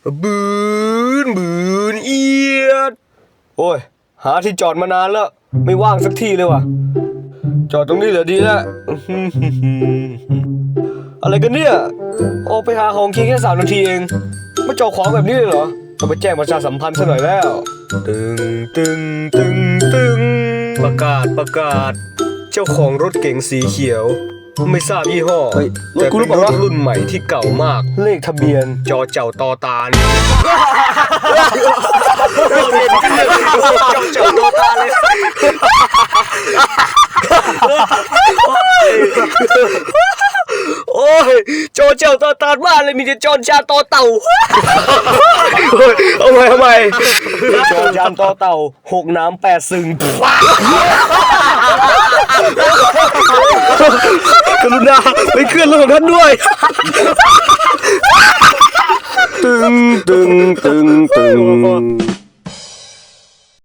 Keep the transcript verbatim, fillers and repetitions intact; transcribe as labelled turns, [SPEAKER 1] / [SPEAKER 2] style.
[SPEAKER 1] บืนบืนเอียดโอ้ยหาที่จอดมานานแล้วไม่ว่างสักทีเลยว่ะจอดตรงนี้เหรอดีแล้วอะไรกันเนี่ยออกไปหาของกินแค่สามนาทีเองมาจอดขวางแบบนี้เลยเหรอต้องไปแจ้งประชาสัมพันธ์ซะหน่อยแล้วตึงตึงตึงตึงประกาศประกาศเจ้าของรถเก๋งสีเขียวไม่ทราบยี่ห้อแต่เป็นรถรุ่นใหม่ที่เก่ามากเลขทะเบียนจอเจ้าตอตาลจอเจ้าตอตาเลยโอ้ยจอเจ้าตอตาลมากเลยมีแต่จอนชาตอเต่าเอาไว้ทำไมจอนชาตอเต่าหกน้ำแปดซึงกรุณาไปเคลื่อนรถของท่านด้วยตึงตึงตึงตึง